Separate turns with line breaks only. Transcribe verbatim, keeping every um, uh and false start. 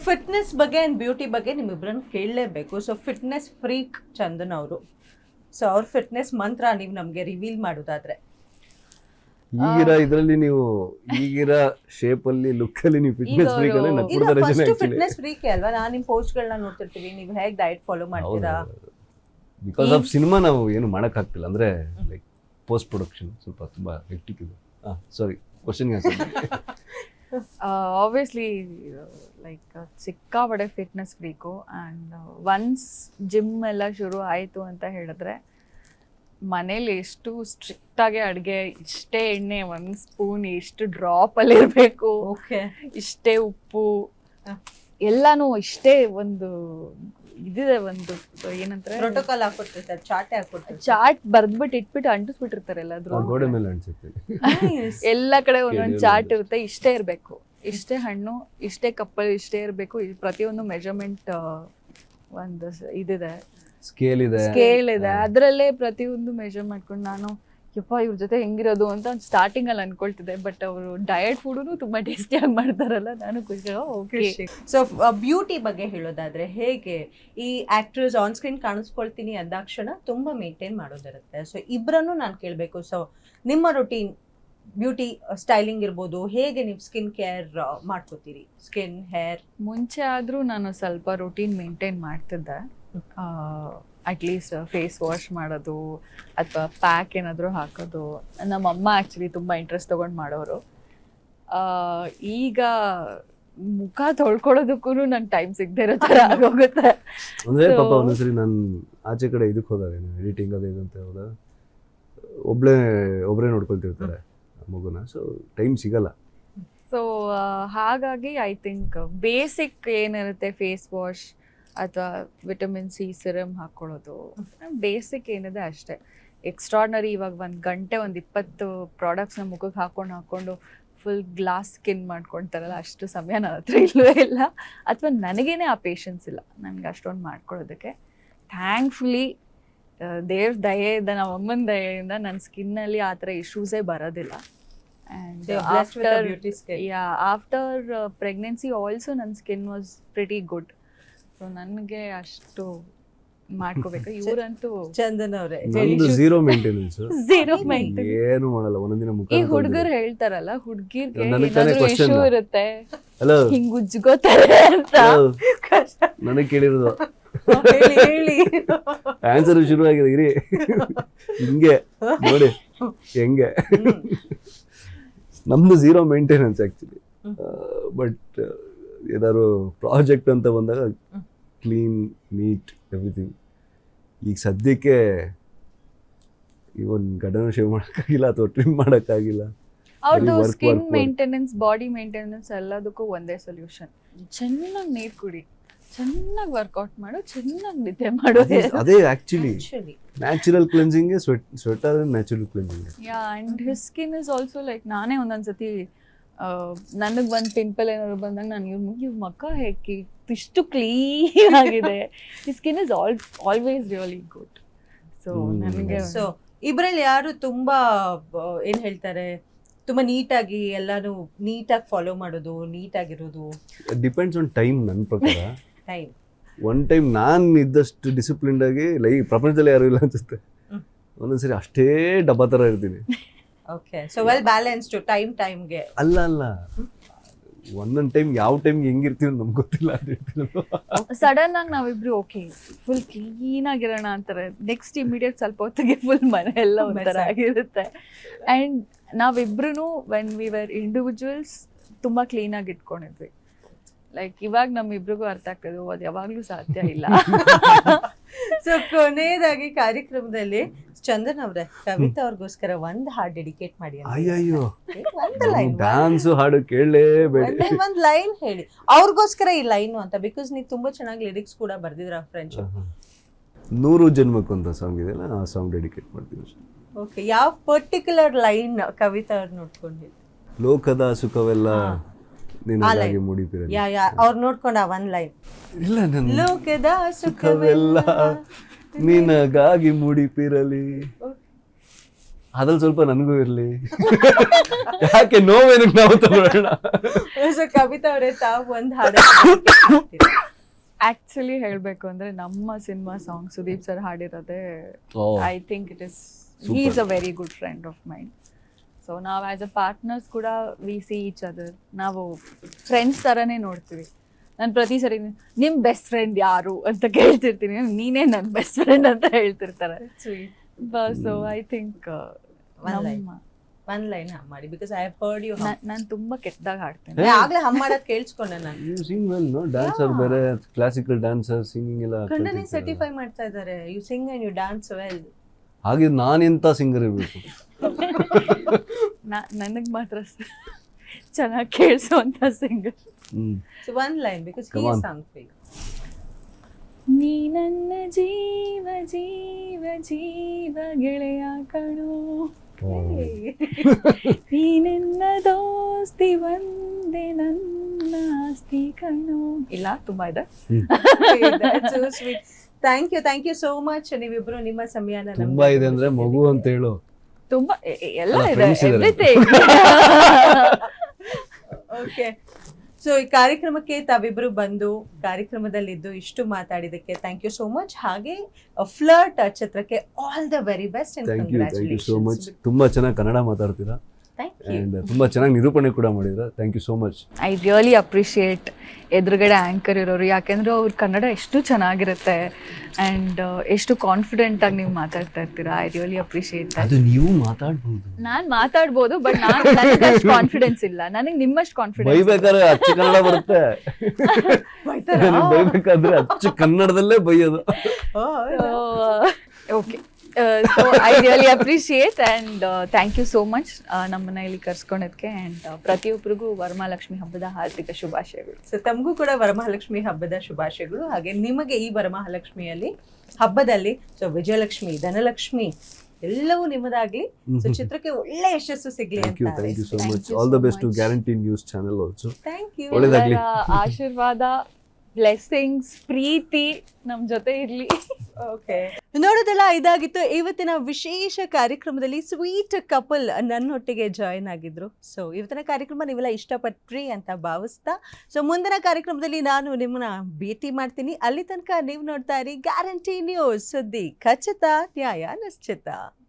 Fitness ಬಗ್ಗೆ and beauty ಬಗ್ಗೆ ನಿಮ್ಮಿಬ್ಬರನ್ನ ಕೇಳಲೇಬೇಕು. ಸೊ ಫಿಟ್ನೆಸ್ ಫ್ರೀಕ್ ಚಂದನ್ ಅವರು. ಸೊ ಅವ್ರ ಫಿಟ್ನೆಸ್ ಮಂತ್ರ ನೀವು ನಮಗೆ ರಿವೀಲ್ ಮಾಡೋದಾದ್ರೆ
ಈಗಿರ ಇದರಲ್ಲಿ ನೀವು ಈಗಿರ ಶೇಪ್ ಅಲ್ಲಿ ಲುಕ್ ಅಲ್ಲಿ ನೀವು ಫಿಟ್ನೆಸ್ ಫ್ರೀಕ್ ಅಂದ್ರೆ
ಇಲ್ಲ, ಫಸ್ಟ್ ಫಿಟ್ನೆಸ್ ಫ್ರೀಕೆ ಅಲ್ವಾ? ನಾನು ನಿಮ್ಮ ಪೋಸ್ಟ್ಗಳನ್ನ ನೋಡ್ತಿರ್ತೀವಿ, ನೀವು ಹೇಗೆ ಡಯಟ್ ಫಾಲೋ ಮಾಡ್ತೀರಾ?
ಬಿಕಾಸ್ ಆಫ್ ಸಿನಿಮಾ ನಾವು ಏನು ಮಾಡಕ್ ಆಗ್ತಿಲ್ಲ, ಅಂದ್ರೆ ಲೈಕ್ ಪೋಸ್ಟ್ ಪ್ರೊಡಕ್ಷನ್ ಸ್ವಲ್ಪ ತುಂಬಾ ಹೆಕ್ಟಿಕ್ ಇದೆ. ಸಾರಿ, ಕ್ವಶನ್ಗೆ
ಆಬ್ವಿಯಸ್ಲಿ ಲೈಕ್ ಸಿಕ್ಕಾಪಟ್ಟೆ fitness freak. And once gym ಎಲ್ಲ ಶುರು ಆಯಿತು ಅಂತ ಹೇಳಿದ್ರೆ ಮನೇಲಿ ಎಷ್ಟು ಸ್ಟ್ರಿಕ್ಟಾಗಿ ಅಡುಗೆ, ಇಷ್ಟೇ ಎಣ್ಣೆ ಒಂದು ಸ್ಪೂನ್, ಇಷ್ಟು ಡ್ರಾಪಲ್ಲಿ ಇರಬೇಕು,
ಓಕೆ,
ಇಷ್ಟೇ ಉಪ್ಪು, ಎಲ್ಲಾನು ಇಷ್ಟೇ ಒಂದು ಇದಿದೆ, ಒಂದು ಏನಂತಾರೆ
ಪ್ರೋಟೋಕಾಲ್ ಹಾಕೊಟ್ಟಿರ್ತಾರೆ, ಚಾಟೆ ಹಾಕೊಟ್ಟಿರ್ತಾರೆ.
ಚಾಟ್ ಬರ್ದ್ಬಿಟ್ಟು ಇಟ್ಬಿಟ್ಟು ಅಂಟಿಸ್ಬಿಟ್ಟಿರ್ತಾರೆ ಎಲ್ಲಾದ್ರೂ
ಗೋಡೆ ಮೇಲೆ ಅನ್ಸುತ್ತೆ.
ಎಲ್ಲ ಕಡೆ ಒಂದೊಂದು ಚಾರ್ಟ್ ಇರುತ್ತೆ, ಇಷ್ಟೇ ಇರಬೇಕು, ಇಷ್ಟೇ ಹಣ್ಣು, ಇಷ್ಟೇ ಕಪ್ಪಲ್ಲಿ ಇಷ್ಟೇ ಇರಬೇಕು, ಪ್ರತಿಯೊಂದು ಮೆಜರ್ಮೆಂಟ್ ಒಂದು ಇದಿದೆ,
ಸ್ಕೇಲ್ ಇದೆ
ಸ್ಕೇಲ್ ಇದೆ, ಅದರಲ್ಲೇ ಪ್ರತಿಯೊಂದು ಮೆಜರ್ ಮಾಡ್ಕೊಂಡು ನಾನು ಯಪ್ಪ ಇವ್ರ ಜೊತೆ ಹೆಂಗಿರೋದು ಅಂತ ಸ್ಟಾರ್ಟಿಂಗ್ ಅಲ್ಲಿ ಅನ್ಕೊಳ್ತಿದ್ದೆ. ಬಟ್ ಅವರು ಡಯಟ್ ಫುಡೂ ತುಂಬಾ ಟೇಸ್ಟಿಯಾಗಿ ಮಾಡ್ತಾರಲ್ಲ, ನಾನು ಖುಷಿ. ಓಕೆ,
ಸೊ ಬ್ಯೂಟಿ ಬಗ್ಗೆ ಹೇಳೋದಾದ್ರೆ ಹೇಗೆ ಈ ಆಕ್ಟ್ರೆಸ್ ಆನ್ ಸ್ಕ್ರೀನ್ ಕಾಣಿಸ್ಕೊಳ್ತೀನಿ ಅಂದಾಕ್ಷಣ ತುಂಬಾ ಮೇಂಟೈನ್ ಮಾಡೋದಿರುತ್ತೆ. ಸೊ ಇಬ್ಬರನ್ನು ನಾನು ಕೇಳಬೇಕು. ಸೊ ನಿಮ್ಮ ರೊಟೀನ್ ಬ್ಯೂಟಿ ಸ್ಟೈಲಿಂಗ್ ಇರ್ಬೋದು, ಹೇಗೆ ನೀವು ಸ್ಕಿನ್ ಕೇರ್ ಮಾಡ್ಕೋತೀರಿ? ಸ್ಕಿನ್ ಹೇರ್
ಮುಂಚೆ ಆದರೂ ನಾನು ಸ್ವಲ್ಪ ರೊಟೀನ್ ಮೇಂಟೈನ್ ಮಾಡ್ತಿದ್ದೆ. ಅಟ್ಲೀಸ್ಟ್ ಫೇಸ್ ವಾಶ್ ಮಾಡೋದು ಅಥವಾ ಪ್ಯಾಕ್ ಏನಾದರೂ ಹಾಕೋದು. ನಮ್ಮಮ್ಮ ಆ್ಯಕ್ಚುಲಿ ತುಂಬ ಇಂಟ್ರೆಸ್ಟ್ ತೊಗೊಂಡು ಮಾಡೋರು. ಈಗ ಮುಖ ತೊಳ್ಕೊಳ್ಳೋದಕ್ಕೂ ನಂಗೆ ಟೈಮ್ ಸಿಗದೆ ಇರೋ ಥರ ಆಗೋಗುತ್ತೆ.
ಅಂದ್ರೆ ಪಾಪ ಒಂದೊಂದ್ಸರಿ ನಾನು ಆಚೆ ಕಡೆ ಇದಕ್ಕೆ ಹೋದಾಗ ಎಡಿಟಿಂಗ್ ಅದು ಇದು ಅಂತ ಹೋದಾಗ ಒಬ್ಳೆ ಒಬ್ಬರೇ ನೋಡ್ಕೊಳ್ತಿರ್ತಾರೆ ಮಗುನ, ಸೊ ಟೈಮ್ ಸಿಗಲ್ಲ.
ಸೊ ಹಾಗಾಗಿ ಐ ಥಿಂಕ್ ಬೇಸಿಕ್ ಏನಿರುತ್ತೆ, ಫೇಸ್ ವಾಶ್ ಅಥವಾ ವಿಟಮಿನ್ ಸಿ ಸಿರಮ್ ಹಾಕ್ಕೊಳ್ಳೋದು ಬೇಸಿಕ್ ಏನಿದೆ ಅಷ್ಟೇ. ಎಕ್ಸ್ಟ್ರಾರ್ನರಿ ಇವಾಗ ಒಂದು ಗಂಟೆ ಒಂದು ಇಪ್ಪತ್ತು ಪ್ರಾಡಕ್ಟ್ಸ್ನ ಮುಖಕ್ಕೆ ಹಾಕೊಂಡು ಹಾಕ್ಕೊಂಡು ಫುಲ್ ಗ್ಲಾಸ್ ಸ್ಕಿನ್ ಮಾಡ್ಕೊಳ್ತಾರಲ್ಲ, ಅಷ್ಟು ಸಮಯ ನನ್ನ ಹತ್ರ ಇಲ್ಲವೇ ಇಲ್ಲ, ಅಥವಾ ನನಗೇನೆ ಆ ಪೇಷನ್ಸ್ ಇಲ್ಲ ನನಗೆ ಅಷ್ಟೊಂದು ಮಾಡ್ಕೊಳ್ಳೋದಕ್ಕೆ. ಥ್ಯಾಂಕ್ಫುಲಿ ದೇವ್ರ ದಯೆಯಿಂದ, ನಮ್ಮ ಅಮ್ಮನ ದಯೆಯಿಂದ ನನ್ನ ಸ್ಕಿನ್ನಲ್ಲಿ ಆ ಥರ ಇಶ್ಯೂಸೇ ಬರೋದಿಲ್ಲ. And after yeah after pregnancy also ನನ್ನ skin was pretty good. So ನನಗೆ ಅಷ್ಟು ಮಾಡ್ಕೋಬೇಕು. ಇವರಂತೂ
ಚಂದನ್ ಅವರೇ
ಝೀರೋ ಮೇಂಟೆನೆನ್ಸ್,
ಝೀರೋ ಮೈಂಟೈನ್,
ಏನು ಮಾಡಲ್ಲ. ಒಂದೊಂದಿನ ಮುಖ
ಈ ಹುಡುಗರು ಹೇಳ್ತಾರಲ್ಲ, ಹುಡುಗಿರ್ಗೆ
ನನಗ್ ತಾನೇ
ಏನಾದ್ರು
question.
ಇಶ್ಯೂ ಇರುತ್ತೆ,
ಹಲೋ
ಹಿಂಗ್ ಉಜ್ಗೋತಾರೆ ಅಂತ.
ನನಗೆ ಕೇಳಿರೋದು
ಹೇಳಿ ಹೇಳಿ
ಆನ್ಸರ್ ಶುರು ಆಗಿದೆ. ಇರಿ ಹಿಂಗೆ ನೋಡಿ ಹೆಂಗೆ. ನಮ್ದು ಝೀರೋ ಮೇಂಟೆನೆನ್ಸ್ ಆಕ್ಚುಲಿ. ಬಟ್ ಏನಾದ್ರು ಪ್ರಾಜೆಕ್ಟ್ ಅಂತ ಬಂದಾಗ ಕ್ಲೀನ್ ನೀಟ್ ಎವ್ರಿಥಿಂಗ್. ಈಗ ಸದ್ಯಕ್ಕೆ ಇವನ್ ಗಡನ ಶೇವ್ ಮಾಡೋಕ್ಕಾಗಿಲ್ಲ ಅಥವಾ ಟ್ರಿಮ್ ಮಾಡೋಕ್ಕಾಗಿಲ್ಲ.
ಅವ್ರದ್ದು ಸ್ಕಿನ್ ಮೇಂಟೆನೆನ್ಸ್, ಬಾಡಿ ಮೇಂಟೆನೆನ್ಸ್ ಎಲ್ಲದಕ್ಕೂ ಒಂದೇ ಸೊಲ್ಯೂಷನ್. ಚೆನ್ನಾಗಿ ನೀರು ಕುಡಿ, ಚೆನ್ನಾಗಿ ವರ್ಕೌಟ್ ಮಾಡು, ಚೆನ್ನಾಗಿ ನಿದ್ದೆ ಮಾಡು.
ಅದೇ actually natural cleansing, sweat sweater natural cleansing.
Yeah, and his skin is also like, ನಾನೇ ಒಂದೊಂದ್ಸತಿ ನನಗೆ ಒಂದು ಪಿಂಪಲ್ ಏನಾದ್ರು ಬಂದಾಗ ನಾನು ಇವ್ರ ಇವ್ರ ಮಕ್ಕ ಹೇಗೆ ಇಷ್ಟು ಕ್ಲೀನ್ ಆಗಿದೆ. ಈ skin is all always really good. So ನನಗೆ
ಸೊ ಇಬ್ಬರಲ್ಲಿ ಯಾರು ತುಂಬಾ ಏನ್ ಹೇಳ್ತಾರೆ, ತುಂಬಾ ನೀಟಾಗಿ ಎಲ್ಲಾನು ನೀಟಾಗಿ ಫಾಲೋ ಮಾಡೋದು, ನೀಟಾಗಿರೋದು?
Depends on time. ನನ್ನ ಪ್ರಕಾರ
ಟೈಮ್
ಒನ್ ಟೈಮ್ ನಾನು ಇದ್ದಷ್ಟು ಡಿಸಿಪ್ಲಿನ್ಡ್ ಆಗಿ ಲೈ ಪ್ರಪಂಚದಲ್ಲಿ ಯಾರು ಇಲ್ಲ ಅನ್ಸುತ್ತೆ. ಒಂದೊಂದ್ಸರಿ ಅಷ್ಟೇ ಡಬ್ಬಾ ಥರ ಇರ್ತೀನಿ.
Okay, so well balanced time ಟೈಮ್ಗೆ.
ಅಲ್ಲ ಅಲ್ಲ ಒಂದೊಂದು ಟೈಮ್ ಯಾವ ಟೈಮ್ ಹೆಂಗಿರ್ತೀವಿ ನಮ್ಗೆ ಗೊತ್ತಿಲ್ಲ.
ಸಡನ್ ಆಗಿ ನಾವಿಬ್ರು ಓಕೆ ಫುಲ್ ಕ್ಲೀನ್ ಆಗಿರೋಣ ಅಂತಾರೆ, ನೆಕ್ಸ್ಟ್ ಇಮಿಡಿಯೇಟ್ ಸ್ವಲ್ಪ ಹೊತ್ತಿಗೆ ಫುಲ್ ಮನೆ ಎಲ್ಲ ಒಂಥರ ಆಗಿರುತ್ತೆ. ಆ್ಯಂಡ್ ನಾವಿಬ್ರು ವೆನ್ ವಿ ವರ್ ಇಂಡಿವಿಜುವಲ್ಸ್ ತುಂಬ ಕ್ಲೀನಾಗಿ ಇಟ್ಕೊಂಡಿದ್ವಿ. ಲೈಕ್ ಇವಾಗ ನಮ್ಮಿಬ್ರಿಗೂ ಅರ್ಥ ಆಗ್ತದೆ, ಅದು ಯಾವಾಗಲೂ ಸಾಧ್ಯ ಇಲ್ಲ.
ಸೊ ಕೊನೆಯದಾಗಿ ಕಾರ್ಯಕ್ರಮದಲ್ಲಿ ಚಂದನ್ ಅವರೇ, ಕವಿತಾ ಅವ್ರಿಗೋಸ್ಕರ ಒಂದ್ ಹಾಡ್ ಡೆಡಿಕೇಟ್ ಮಾಡಿ.
ಅಯ್ಯಯ್ಯೋ,
ಒಂದು ಲೈನ್,
ಡ್ಯಾನ್ಸ್ ಹಾಡು ಕೇಳಲೇಬೇಡಿ.
ಒಂದ್ ಲೈನ್ ಹೇಳಿ ಅವ್ರಿಗೋಸ್ಕರ ಈ ಲೈನು ಅಂತ. ಬಿಕಾಸ್ ನೀವು ತುಂಬಾ ಚೆನ್ನಾಗಿ ಲಿರಿಕ್ಸ್ ಕೂಡ ಬರ್ದಿದ್ರ ಫ್ರೆಂಚ್.
ನೂರು ಜನ್ಮಕ್ಕೊಂದು ಸಾಂಗ್ ಇದೆಯಲ್ಲ, ಆ ಸಾಂಗ್ ಡೆಡಿಕೇಟ್ ಮಾಡ್ತೀವಿ.
ಓಕೆ, ಯಾವ ಪರ್ಟಿಕ್ಯುಲರ್ ಲೈನ್ ಕವಿತಾ ಅವ್ರು ನೋಡ್ಕೊಂಡಿದ್ದು?
ಲೋಕದ ಸುಖವೆಲ್ಲ ನಿನಗಾಗಿ ಮುಡಿಪಿರಲಿ.
ಯಾ ಯಾ ಅವ್ರು ನೋಡ್ಕೊಂಡ ಒಂದ್ ಲೈನ್.
ಇಲ್ಲ, ನನ್ನ
ಲೋಕದ
ಸುಖವೆಲ್ಲ ನಿನಗಾಗಿ ಮುಡಿಪಿರಲಿ. ಅದ್ರಲ್ಲಿ ಸ್ವಲ್ಪ ನನಗೂ ಇರ್ಲಿ. ಯಾಕೆ ನೋವೇನಕ್ಕೆ ನಾವು ತಗೊಳ್ಳೋಣ.
ಸೊ ಕವಿತಾ ಅವರೇ, ತಾವು ಒಂದು ಹಾಡು
ಆಕ್ಚುಲಿ ಹೇಳ್ಬೇಕು ಅಂದ್ರೆ ನಮ್ಮ ಸಿನಿಮಾ ಸಾಂಗ್ ಸುದೀಪ್ ಸರ್ ಹಾಡಿರೋದೇ I think it is he is a very good friend of mind. So ನಾವು ಆಸ್ ಅ ಪಾರ್ಟ್ನರ್ಸ್ ಕೂಡ ವಿ ಸಿ ಈಚ್ ಅದರ್, ನಾವು ಫ್ರೆಂಡ್ಸ್ ಥರನೇ ನೋಡ್ತೀವಿ. ನಾನು ಪ್ರತಿ ಸರಿ ನಿಮ್ಮ ಬೆಸ್ಟ್ ಫ್ರೆಂಡ್ ಯಾರು ಅಂತ ಕೇಳ್ತಿರ್ತೀನಿ, ನೀನೇ ನನ್ನ ಬೆಸ್ಟ್ ಫ್ರೆಂಡ್ ಅಂತ ಹೇಳ್ತಿರ್ತಾರೆ. ಸೊ ಐ ಥಿಂಕ್
ಒಂದ್ ಲೈನ್ ಹಮ್ ಮಾಡಿ, because I have heard you.
ನಾನು ತುಂಬಾ ಕೆಟ್ಟದಾಗ ಹಾಡ್ತೀನಿ.
ಆಗ್ಲೇ ಹಮ್ ಮಾಡೋದ್ ಕೇಳಿಸ್ಕೊಂಡೆ ನಾನು.
You sing well, no? Dancer ಬೇರೆ, ಕ್ಲಾಸಿಕಲ್ ಡ್ಯಾನ್ಸರ್, ಸಿಂಗಿಂಗ್ ಎಲ್ಲ
ಖಂಡನೆ ಸರ್ಟಿಫೈ ಮಾಡ್ತಾ ಇದ್ದಾರೆ. You sing and you dance well.
ಹಾಗೆ ನಾನೆಂತ ಸಿಂಗರ್ ಇರಬೇಕು?
ನನಗೆ ಮಾತ್ರ ಚೆನ್ನಾಗಿ ಕೇಳಿಸುವಂತ singer.
So one line, because he is song for you.
ನೀ ನನ್ನ ಜೀವ ಜೀವ ಜೀವ ಗೆಳೆಯ ಕಣೋ, ನೀ ನನ್ನ ದೋಸ್ತಿ ಒಂದೇ ನನ್ನ ಆಸ್ತಿ ಕಣೋ. ಇಲ್ಲ, ತುಂಬಾ ಇದೆ.
So sweet. Thank you, thank you so much. ನೀವಿಬ್ರು ನಿಮ್ಮ ಸಮಯನ
ತುಂಬಾ ಇದೆ ಅಂದ್ರೆ ಮಗು ಅಂತ ಹೇಳು.
ತುಂಬಾ ಎಲ್ಲ
ಅಲ್ಲ,
ಇದೆ,
friends ಇದ್ದಾರೆ.
ಎವ್ರಿಥಿಂಗ್.
ಓಕೆ. ಸೊ ಈ ಕಾರ್ಯಕ್ರಮಕ್ಕೆ ತಾವಿಬ್ರು ಬಂದು ಕಾರ್ಯಕ್ರಮದಲ್ಲಿದ್ದು ಇಷ್ಟು ಮಾತಾಡಿದಕ್ಕೆ ಥ್ಯಾಂಕ್ ಯು ಸೋ ಮಚ್. ಹಾಗೆ ಫ್ಲರ್ಟ್ ಚಿತ್ರಕ್ಕೆ all the very best and
thank you, thank you so much.
Congratulations.
ತುಂಬಾ ಚೆನ್ನಾಗಿ ಕನ್ನಡ ಮಾತಾಡ್ತೀರಾ
ಥ್ಯಾಂಕ್ ಯು.
ಅಂಡ್ ತುಂಬಾ ಚೆನ್ನಾಗಿ ನಿರೂಪಣೆ ಕೂಡ ಮಾಡಿದ್ರ. Thank you so much.
I really appreciate ಎದುರುಗಡೆ ಆ್ಯಂಕರ್ ಇರೋರು, ಯಾಕೆಂದ್ರೆ ಅವ್ರ ಕನ್ನಡ ಎಷ್ಟು ಚೆನ್ನಾಗಿರುತ್ತೆ ಆ್ಯಂಡ್ ಎಷ್ಟು ಕಾನ್ಫಿಡೆಂಟ್ ಆಗಿ ನೀವು ಮಾತಾಡ್ತಾ ಇರ್ತೀರಾ. I really appreciate that.
ಅದು ನೀವು ಮಾತಾಡ್ಬೋದು,
ನಾನು ಮಾತಾಡ್ಬೋದು, ಬಟ್ ನಾನು ನನಗೆ ಅಷ್ಟು ಕಾನ್ಫಿಡೆನ್ಸ್ ಇಲ್ಲ. ನನಗೆ ನಿಮ್ಮಷ್ಟು ಕಾನ್ಫಿಡೆನ್ಸ್.
ಬೈಬೇಕಾದ್ರೆ ಅಚ್ಚ ಕನ್ನಡ ಬರುತ್ತೆ,
ಬೈತಾರಾ?
ನನಗೆ ಬೈಬೇಕಾದ್ರೆ ಅಚ್ಚ ಕನ್ನಡದಲ್ಲೇ ಬೈಯೋದು.
Okay. So I really appreciate and thank you so much ನಮ್ಮನ್ನ ಇಲ್ಲಿ ಕರ್ಸ್ಕೊಳೋದಕ್ಕೆ. ಆ್ಯಂಡ್ ಪ್ರತಿಯೊಬ್ಬರಿಗೂ ವರಮಹಾಲಕ್ಷ್ಮಿ ಹಬ್ಬದ ಹಾರ್ದಿಕ ಶುಭಾಶಯಗಳು.
ಸೊ ತಮಗೂ ಕೂಡ ವರಮಹಾಲಕ್ಷ್ಮಿ ಹಬ್ಬದ ಶುಭಾಶಯಗಳು. ಹಾಗೆ ನಿಮಗೆ ಈ ವರಮಹಾಲಕ್ಷ್ಮಿಯಲ್ಲಿ ಹಬ್ಬದಲ್ಲಿ ಸೊ ವಿಜಯಲಕ್ಷ್ಮಿ, ಧನಲಕ್ಷ್ಮಿ ಎಲ್ಲವೂ ನಿಮ್ಮದಾಗ್ಲಿ. ಸೊ ಚಿತ್ರಕ್ಕೆ ಒಳ್ಳೆ ಯಶಸ್ಸು ಸಿಗ್ಲಿ
ಥ್ಯಾಂಕ್ ಯು,
ಅಂತ.
Thank you so
Thank
much.
you
all the
so
best to
much.
Guarantee news channel also.
Thank you.
ಒಳ್ಳೆದಾಗ್ಲಿ.
ಎಲ್ಲರ ಆಶೀರ್ವಾದ, ಬ್ಲೆಸ್ಸಿಂಗ್ಸ್, ಪ್ರೀತಿ ನಮ್ಮ ಜೊತೆ ಇರಲಿ.
ಓಕೆ, ನೋಡೋದಲ್ಲ, ಇದಾಗಿತ್ತು ಇವತ್ತಿನ ವಿಶೇಷ ಕಾರ್ಯಕ್ರಮದಲ್ಲಿ ಸ್ವೀಟ್ ಕಪಲ್ ನನ್ನೊಟ್ಟಿಗೆ ಜಾಯಿನ್ ಆಗಿದ್ರು. ಸೊ ಇವತ್ತಿನ ಕಾರ್ಯಕ್ರಮ ನೀವೆಲ್ಲ ಇಷ್ಟಪಟ್ರಿ ಅಂತ ಭಾವಿಸ್ತಾ, ಸೊ ಮುಂದಿನ ಕಾರ್ಯಕ್ರಮದಲ್ಲಿ ನಾನು ನಿಮ್ಮನ್ನ ಭೇಟಿ ಮಾಡ್ತೀನಿ. ಅಲ್ಲಿ ತನಕ ನೀವು ನೋಡ್ತಾ ಇರಿ ಗ್ಯಾರಂಟಿ ನ್ಯೂಸ್, ಸುದ್ದಿ ಖಚಿತ, ನ್ಯಾಯ ನಿಶ್ಚಿತ.